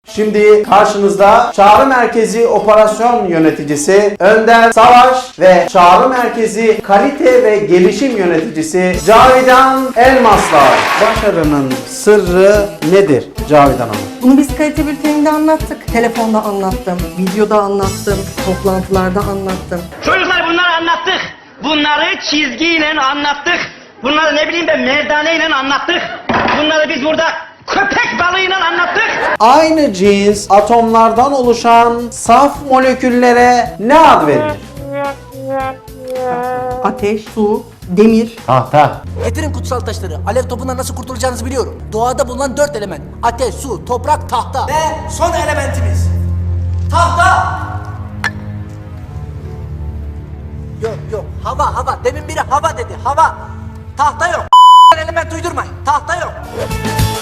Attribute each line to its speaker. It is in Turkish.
Speaker 1: Şimdi karşınızda Çağrı Merkezi Operasyon Yöneticisi Önder Savaş ve Çağrı Merkezi Kalite ve Gelişim Yöneticisi Cavidan Elmaslar. Başarının sırrı nedir Cavidan Hanım?
Speaker 2: Bunu biz kalite bülteninde anlattık. Telefonda anlattım, videoda anlattım, toplantılarda anlattım.
Speaker 3: Çocuklar bunları anlattık. Bunları çizgiyle anlattık. Bunları ne bileyim ben merdaneyle anlattık. Bunları biz burada köpek balığıyla anlattık.
Speaker 1: Aynı cins atomlardan oluşan saf moleküllere ne ad verilir?
Speaker 2: Ateş, su, demir.
Speaker 1: Tahta.
Speaker 4: Getirin kutsal taşları. Alev topundan nasıl kurtulacağınızı biliyorum. Doğada bulunan 4 element. Ateş, su, toprak, tahta. Ve son elementimiz. Tahta. Yok. Hava. Demin biri hava dedi. Hava. Tahta yok. Element uydurmayın. Tahta yok.